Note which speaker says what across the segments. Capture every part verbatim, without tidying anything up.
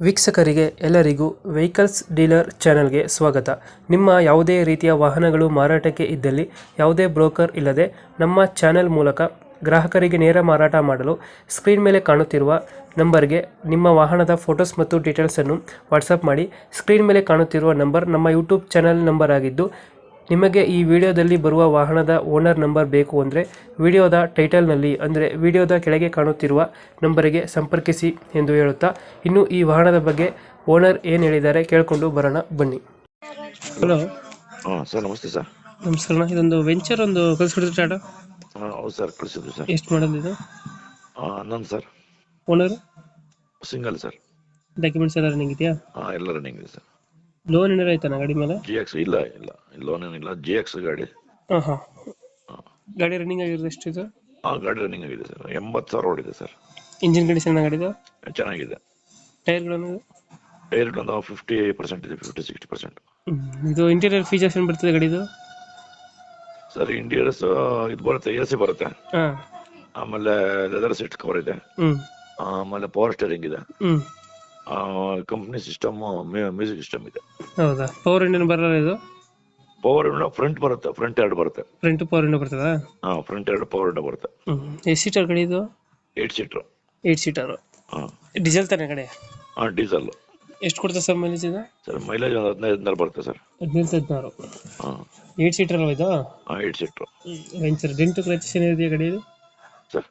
Speaker 1: ವೀಕ್ಷಕರಿಗೆ ಎಲ್ಲರಿಗೂ vehicles dealer ಚಾನೆಲ್ಗೆ ಸ್ವಾಗತ. ನಿಮ್ಮ ಯಾವುದೇ ರೀತಿಯ ವಾಹನಗಳು ಮಾರಾಟಕ್ಕೆ ಇದ್ದಲ್ಲಿ ಯಾವುದೇ ಬ್ರೋಕರ್ ಇಲ್ಲದೆ ನಮ್ಮ ಚಾನೆಲ್ ಮೂಲಕ ಗ್ರಾಹಕರಿಗೆ ನೇರ ಮಾರಾಟ ಮಾಡಲು ಸ್ಕ್ರೀನ್ ಮೇಲೆ ಕಾಣುತ್ತಿರುವ ನಂಬರ್ಗೆ ನಿಮ್ಮ ವಾಹನದ ಫೋಟೋಸ್ ಮತ್ತು ಡೀಟೇಲ್ಸನ್ನು ವಾಟ್ಸಪ್ ಮಾಡಿ. ಸ್ಕ್ರೀನ್ ಮೇಲೆ ಕಾಣುತ್ತಿರುವ ನಂಬರ್ ನಮ್ಮ ಯೂಟ್ಯೂಬ್ ಚಾನೆಲ್ ನಂಬರ್ ಆಗಿದ್ದು, ನಿಮಗೆ ಈ ವಿಡಿಯೋದಲ್ಲಿ ಬರುವ ವಾಹನದ ಓನರ್ ನಂಬರ್ ಬೇಕು ಅಂದರೆ ವಿಡಿಯೋದ ಟೈಟಲ್ನಲ್ಲಿ ಅಂದರೆ ವಿಡಿಯೋದ ಕೆಳಗೆ ಕಾಣುತ್ತಿರುವ ನಂಬರಿಗೆ ಸಂಪರ್ಕಿಸಿ ಎಂದು ಹೇಳುತ್ತಾ, ಇನ್ನು ಈ ವಾಹನದ ಬಗ್ಗೆ ಓನರ್ ಏನು ಹೇಳಿದ್ದಾರೆ ಕೇಳಿಕೊಂಡು ಬರೋಣ ಬನ್ನಿ. ಹಲೋ
Speaker 2: ಹಾಂ ಸರ್, ನಮಸ್ತೆ ಸರ್.
Speaker 1: ನಮಸ್ಕಾರ. ಇದೊಂದು ವೆಂಚರ್ ಒಂದು ಕಳಿಸ್ಬಿಡ್ತೀವಿ ಟಾಟಾ.
Speaker 2: ಹಾಂ ಹೌದು ಸರ್, ಕಳಿಸಿದ್ವಿ ಸರ್.
Speaker 1: ಎಷ್ಟು ಮಾಡೋದು ಇದು?
Speaker 2: ಹನ್ನೊಂದು ಸರ್.
Speaker 1: Owner
Speaker 2: single sir.
Speaker 1: ಡಾಕ್ಯುಮೆಂಟ್ಸ್ ಎಲ್ಲ ರನ್ನಿಂಗ್ ಇದೆಯಾ?
Speaker 2: ಹಾಂ ಎಲ್ಲ ರನ್ನಿಂಗ್ ಇದೆ ಸರ್.
Speaker 1: ಲೋನ್ ಏನಾರು ಆಯ್ತಾನ ಗಾಡಿ ಮೇಲೆ?
Speaker 2: ಜಿ ಎಕ್ಸ್ ಇಲ್ಲ ಇಲ್ಲ ಲೋನ್ ಏನಿಲ್ಲ, ಜಿ ಎಕ್ಸ್ ಗಾಡಿ.
Speaker 1: ಹಾಂ ಹಾಂ ಗಾಡಿ ರನ್ನಿಂಗ್ ಆಗಿರೋದು ಎಷ್ಟು ಇದು?
Speaker 2: ಹಾಂ ಗಾಡಿ ರನ್ನಿಂಗ್ ಆಗಿದೆ ಸರ್. ಎಂಬತ್ತು ಸಾವಿರ ಓಡಿದೆ ಸರ್.
Speaker 1: ಇಂಜಿನ್ ಕಂಡೀಷನ್ ಗಾಡಿದು
Speaker 2: ಚೆನ್ನಾಗಿದೆ.
Speaker 1: ಟೈರ್ಗಳನ್ನು?
Speaker 2: ಟೈರ್ ಒಂದು ಫಿಫ್ಟಿ ಪರ್ಸೆಂಟ್ ಇದೆ, ಫಿಫ್ಟಿ ಸಿಕ್ಸ್ಟಿ ಪರ್ಸೆಂಟ್.
Speaker 1: ಇದು ಇಂಟೀರಿಯರ್ ಫೀಚರ್ಸ್ ಏನು ಬರ್ತದೆ ಗಾಡಿದು?
Speaker 2: ಸರ್ ಇಂಟೀರಿಯರ್ಸ್ ಇದು ಬರುತ್ತೆ, ಎ ಸಿ ಬರುತ್ತೆ,
Speaker 1: ಹಾಂ,
Speaker 2: ಆಮೇಲೆ ಲೆದರ್ ಸೀಟ್ ಕವರ್ ಇದೆ,
Speaker 1: ಹ್ಞೂ,
Speaker 2: ಆಮೇಲೆ ಪವರ್ ಸ್ಟೇರಿಂಗ್ ಇದೆ,
Speaker 1: ಹ್ಞೂ,
Speaker 2: ಕಂಪ್ನಿ ಸಿಸ್ಟಮ್, ಮ್ಯೂಸಿಕ್ ಸಿಸ್ಟಮ್ ಇದೆ.
Speaker 1: ಹೌದಾ? ಪವರ್ ಇಂಡಿಯನ್ ಬರಲ್ಲ ಇದು?
Speaker 2: ಪವರ್ ವಿಂಡೋ ಫ್ರಂಟ್ ಬರುತ್ತೆ, ಫ್ರಂಟ್ ಎರಡು ಬರುತ್ತೆ.
Speaker 1: ಫ್ರಂಟ್ ಪವರ್ ಇಂಡೋ ಬರ್ತದಾ?
Speaker 2: ಹಾಂ, ಫ್ರಂಟ್ ಎರಡು ಪವರ್ ವಿಂಡೋ ಬರುತ್ತೆ.
Speaker 1: ಹ್ಞೂ. ಎಷ್ಟು ಸೀಟರ್ ಗಾಡಿ ಇದು?
Speaker 2: Eight seater.
Speaker 1: Eight seater.
Speaker 2: ಹಾಂ,
Speaker 1: ಡೀಸೆಲ್ ತಾನೆ ಗಾಡಿ?
Speaker 2: ಹಾಂ ಡೀಸೆಲ್.
Speaker 1: ಎಷ್ಟು ಕೊಡ್ತದೆ ಸರ್ ಮೈಲೇಜ್ ಇದು?
Speaker 2: ಸರ್ ಮೈಲೇಜ್ ಒಂದು ಹದಿನೈದು ಹದಿನಾರು ಬರುತ್ತೆ ಸರ್.
Speaker 1: ಹದಿನೈದು ಹದಿನಾರು.
Speaker 2: ಹಾಂ,
Speaker 1: ಏಟ್ ಸೀಟರ್ ಅಲ್ವಾ ಇದು?
Speaker 2: ಹಾಂ ಏಟ್ ಸೀಟ್ರು.
Speaker 1: ವೆಂಚರ್ ಡೆಂಟು ಕ್ರಚಸ್ ಏನಿದೆಯಾ ಗಾಡಿ ಇದು?
Speaker 2: ಸರ್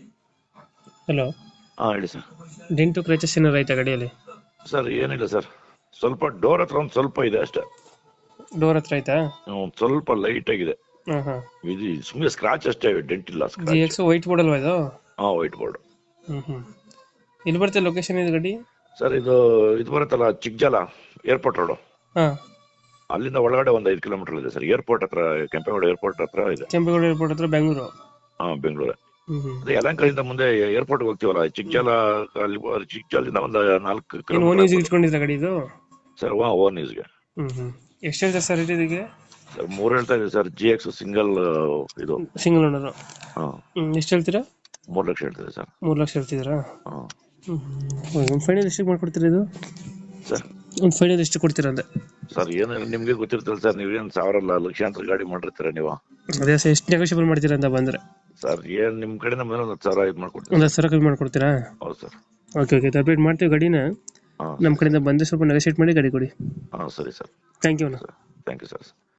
Speaker 1: ಹಲೋ,
Speaker 2: ಹಾಂ ಹೇಳಿ ಸರ್.
Speaker 1: ಡೆಂಟು ಕ್ರಚಸ್ ಏನಾರು ಆಯ್ತಾ ಗಾಡಿಯಲ್ಲಿ?
Speaker 2: ಸರ್ ಏನಿಲ್ಲ ಸರ್, ಸ್ವಲ್ಪ ಡೋರ್ ಹತ್ರ ಒಂದು ಸ್ವಲ್ಪ ಇದೆ ಅಷ್ಟೇ.
Speaker 1: ಡೋರ್ ಹತ್ರ ಆಯ್ತಾ?
Speaker 2: ಒಂದು ಸ್ವಲ್ಪ ಲೈಟ್ ಆಗಿದೆ.
Speaker 1: ಹಾಂ ಹಾಂ.
Speaker 2: ಇದು ಸುಮ್ಮನೆ ಸ್ಕ್ರಾಚ್ ಅಷ್ಟೇ, ಡೆಂಟ್ ಇಲ್ಲ.
Speaker 1: ಜಿ ಎಕ್ಸ್ ವೈಟ್ ಬೋರ್ಡ್ ಅಲ್ವಾ ಇದು?
Speaker 2: ಹಾಂ ವೈಟ್ ಬೋರ್ಡ್.
Speaker 1: ಹ್ಞೂ ಹ್ಞೂ. ಎಲ್ಲಿ ಬರುತ್ತೆ ಲೊಕೇಶನ್ ಇದು ಗಾಡಿ?
Speaker 2: ಸರ್ ಇದು ಇದು ಬರುತ್ತಲ್ಲ ಚಿಕ್ಕಜಾಲ ಏರ್ಪೋರ್ಟ್ ರೋಡು,
Speaker 1: ಹಾಂ,
Speaker 2: ಅಲ್ಲಿಂದ ಒಳಗಡೆ ಒಂದು ಐದು ಕಿಲೋಮೀಟರ್ ಇದೆ ಸರ್. ಏರ್ಪೋರ್ಟ್ ಹತ್ರ, ಕೆಂಪೇಗೌಡ ಏರ್ಪೋರ್ಟ್ ಹತ್ರ ಇದೆ.
Speaker 1: ಕೆಂಪೇಗೌಡ ಏರ್ಪೋರ್ಟ್ ಹತ್ರ, ಬೆಂಗಳೂರು?
Speaker 2: ಹಾಂ ಬೆಂಗಳೂರು.
Speaker 1: ಹ್ಞೂ ಹ್ಞೂ.
Speaker 2: ಅದೇ ಯಲಹಂಕದಿಂದ ಮುಂದೆ ಏರ್ಪೋರ್ಟ್ಗೆ ಹೋಗ್ತೀವಲ್ಲ, ಚಿಕ್ಕಜಾಲ, ಅಲ್ಲಿ ಚಿಕ್ಕಜಾಲದಿಂದ ಒಂದು ನಾಲ್ಕು
Speaker 1: ಓನ್
Speaker 2: ಕಿಲೋಮೀಟರ್.
Speaker 1: ಯೂಸ್ ಇಟ್ಕೊಂಡಿದ್ರೆ ಗಾಡಿ ಇದು?
Speaker 2: ಸರ್ ವಾ ಓನ್ ಯೂಸ್ಗೆ.
Speaker 1: ಹ್ಞೂ ಹ್ಞೂ. ಎಷ್ಟು ಹೇಳ್ತಾರೆ ಸರ್ ರೇಟ್ ಇದಕ್ಕೆ?
Speaker 2: ಸರ್ ಮೂರು ಹೇಳ್ತಾ ಇದೆ ಸರ್. ಜಿ ಎಕ್ಸ್ ಸಿಂಗಲ್ ಇದು
Speaker 1: ಸಿಂಗಲ್ ಓನರು.
Speaker 2: ಹಾಂ.
Speaker 1: ಹ್ಞೂ. ಎಷ್ಟು ಹೇಳ್ತೀರಾ?
Speaker 2: ಮೂರು ಲಕ್ಷ ಹೇಳ್ತಿದೆ ಸರ್.
Speaker 1: ಮೂರು ಲಕ್ಷ ಹೇಳ್ತಿದ್ದೀರಾ?
Speaker 2: ಹಾಂ.
Speaker 1: ಹ್ಞೂ. ಒಂದು ಫೈನಲ್ ಎಷ್ಟಕ್ಕೆ ಮಾಡ್ಕೊಡ್ತೀರಾ ಇದು?
Speaker 2: ಸರ್
Speaker 1: ಒಂದು ಫೈನಲ್ ಎಷ್ಟು ಕೊಡ್ತೀರಾ ಅಂದೆ?
Speaker 2: ಸರ್ ಏನು ನಿಮಗೆ ಗೊತ್ತಿರ್ತಲ್ಲ ಸರ್, ನೀವೇನು ಸಾವಿರ ಅಲ್ಲ ಲಕ್ಷಾಂತರ ಗಾಡಿ ಮಾಡಿರ್ತೀರ ನೀವು.
Speaker 1: ಅದೇ ಸರ್, ಎಷ್ಟು ನೆಗೋಷಿಯಬಲ್ ಮಾಡ್ತೀರಾ ಅಂತ ಬಂದರೆ?
Speaker 2: ಸರ್ ಏನು ನಿಮ್ಮ ಕಡೆಯಿಂದ ಮೇಲೆ ಒಂದು ಹತ್ತು ಸಾವಿರ ಇದು ಮಾಡ್ಕೊಡ್ತೀವಿ.
Speaker 1: ಒಂದು ಹತ್ತು ಸಾವಿರ ಕಮ್ಮಿ ಮಾಡ್ಕೊಡ್ತೀರಾ?
Speaker 2: ಹೌದು ಸರ್.
Speaker 1: ಓಕೆ ಓಕೆ, ಅಪ್ಡೇಟ್ ಮಾಡ್ತೀವಿ ಗಾಡಿನ.
Speaker 2: ಹಾಂ,
Speaker 1: ನಮ್ಮ ಕಡೆಯಿಂದ ಬಂದರೆ ಸ್ವಲ್ಪ ನೆಗೋಷಿಯೇಟ್ ಮಾಡಿ ಗಾಡಿ ಕೊಡಿ.
Speaker 2: ಹಾಂ ಸರಿ ಸರ್.
Speaker 1: ಥ್ಯಾಂಕ್ ಯು ಅಣ್ಣ.
Speaker 2: Sir thank you sir.